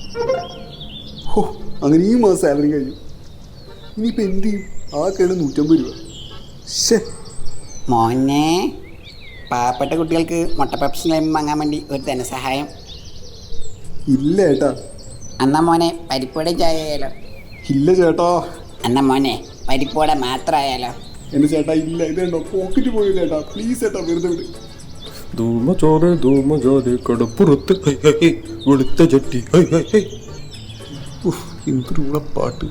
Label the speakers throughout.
Speaker 1: ഓ അങ്ങനെ ഈ മാസം സാലറി കഴിഞ്ഞു. ഇനിയിപ്പോൾ എന്ത് ചെയ്യും? ആ കേട് 150 രൂപ. ശേ,
Speaker 2: മോനെ, പാവപ്പെട്ട കുട്ടികൾക്ക് മുട്ട പപ്സ് ലൈം വാങ്ങാൻ വേണ്ടി ഒരു ധനസഹായം.
Speaker 1: ഇല്ല ചേട്ടാ.
Speaker 2: എന്നാ മോനെ പരിപ്പുവട ചായ ആയാലോ?
Speaker 1: ഇല്ല ചേട്ടാ.
Speaker 2: എന്നാ മോനെ പരിപ്പുവട മാത്രമായാലോ?
Speaker 1: എൻ്റെ ചേട്ടാ ഇല്ല. ഇതുണ്ടോ പോക്കറ്റ് പോയി ചേട്ടാ. പ്ലീസ് ചേട്ടാ, വെറുതെ വിട്.
Speaker 3: ധൂമജാതെ കടപ്പുറത്ത് വെളുത്ത ചട്ടി.
Speaker 1: എന്തൊരു പാട്ട്.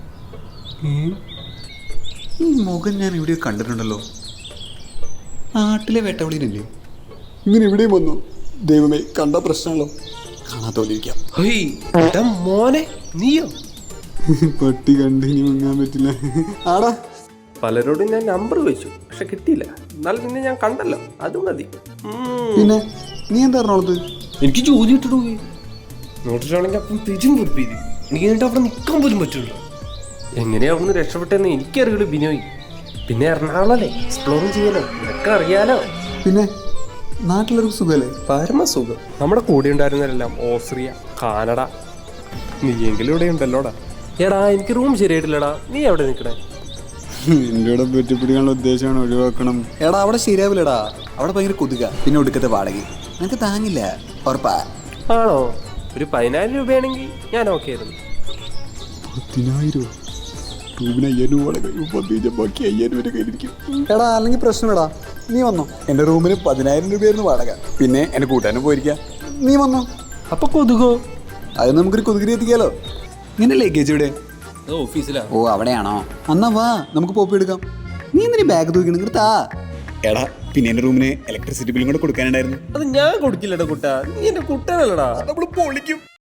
Speaker 1: ഈ മുഖം ഞാൻ എവിടെയോ കണ്ടിട്ടുണ്ടല്ലോ. നാട്ടിലെ വേട്ടവിളിയിലല്ലേ? ഇങ്ങനെ എവിടെയും വന്നു. ദൈവമേ, കണ്ട പ്രശ്നമാണല്ലോ. കാണാത്തോലിരിക്കാം.
Speaker 3: മോനെ നീയോ?
Speaker 1: പട്ടി കണ്ട് ഇനി മുങ്ങാൻ പറ്റില്ല. ആടാ,
Speaker 3: പലരോടും ഞാൻ നമ്പർ വെച്ചു, പക്ഷെ കിട്ടിയില്ല. എന്നാലും നിന്നെ ഞാൻ കണ്ടല്ലോ, അത് മതി.
Speaker 1: പിന്നെ നീ എന്താ പറഞ്ഞോളത്?
Speaker 3: എനിക്ക് ജോലി ഇട്ടിട്ട് പോയി നോട്ടിട്ടാണെങ്കിൽ അപ്പം തിരിച്ചും പൊറപ്പിയത്. എനിക്ക് എന്നിട്ട് അവിടെ നിൽക്കാൻ പോലും പറ്റുള്ളൂ. എങ്ങനെയാ അവിടുന്ന് രക്ഷപ്പെട്ടെന്ന് എനിക്കറിയുള്ളൂ ബിനോയ്. പിന്നെ എറണാകുളമല്ലേ, എക്സ്പ്ലോറും ചെയ്യാലോ, നിനക്ക് അറിയാലോ.
Speaker 1: പിന്നെ നാട്ടിലൊരു സുഖമല്ലേ?
Speaker 3: പരമസുഖം. നമ്മുടെ കൂടെ ഉണ്ടായിരുന്നവരെല്ലാം ഓസ്ട്രിയ, കാനഡ. നീയെങ്കിലും ഇവിടെ ഉണ്ടല്ലോടാ. എടാ എനിക്ക് റൂം ശരിയായിട്ടില്ലടാ, നീ എവിടെ നിൽക്കണേ?
Speaker 1: എൻ്റെ കൂടെ പറ്റിപ്പിടിക്കാനുള്ള ഉദ്ദേശമാണ് ഒഴിവാക്കണം. എടാ അവിടെ ശരിയാവില്ലടാ. അവിടെ ഭയങ്കര കൊതുക, പിന്നെ ഒടുക്കത്തെ വാടക നിനക്ക് താങ്ങില്ല. ഉറപ്പാ?
Speaker 3: ആണോ? ഒരു 10,000 രൂപയാണെങ്കിൽ ഞാൻ ഓക്കെ ആയിരുന്നു.
Speaker 1: 10,000 റൂമിന് 5,000 രൂപ വാടക. ബാക്കി 5,000 രൂപ കയ്യിലിരിക്കും. എടാ അല്ലെങ്കിൽ പ്രശ്നമെടാ, നീ വന്നോ. എൻ്റെ റൂമിന് 10,000 രൂപയായിരുന്നു വാടക. പിന്നെ എൻ്റെ കൂട്ടാനും പോയിരിക്കാം. നീ വന്നോ.
Speaker 3: അപ്പൊ കൊതുകോ?
Speaker 1: അത് നമുക്കൊരു കൊതുകിരി എത്തിക്കാലോ. നിന്റെ ലഗേജ് ഇവിടെ?
Speaker 3: ഓഫീസിലാ.
Speaker 2: ഓ അവിടെയാണോ?
Speaker 1: എന്നാ വാ, നമുക്ക് പോപ്പി എടുക്കാം. നീ എന്തിനീ ബാഗ് തൂക്കണം? ഇങ്ങോട്ടാ. എടാ പിന്നെ എൻ്റെ റൂമിന് ഇലക്ട്രിസിറ്റി ബില്ലും കൂടെ കൊടുക്കാനുണ്ടായിരുന്നു.
Speaker 3: അത് ഞാൻ കൊടുക്കില്ലടാ കുട്ടാ, നീ എന്റെ കുട്ടനല്ലടാ.
Speaker 1: നമ്മൾ പൊളിക്കും.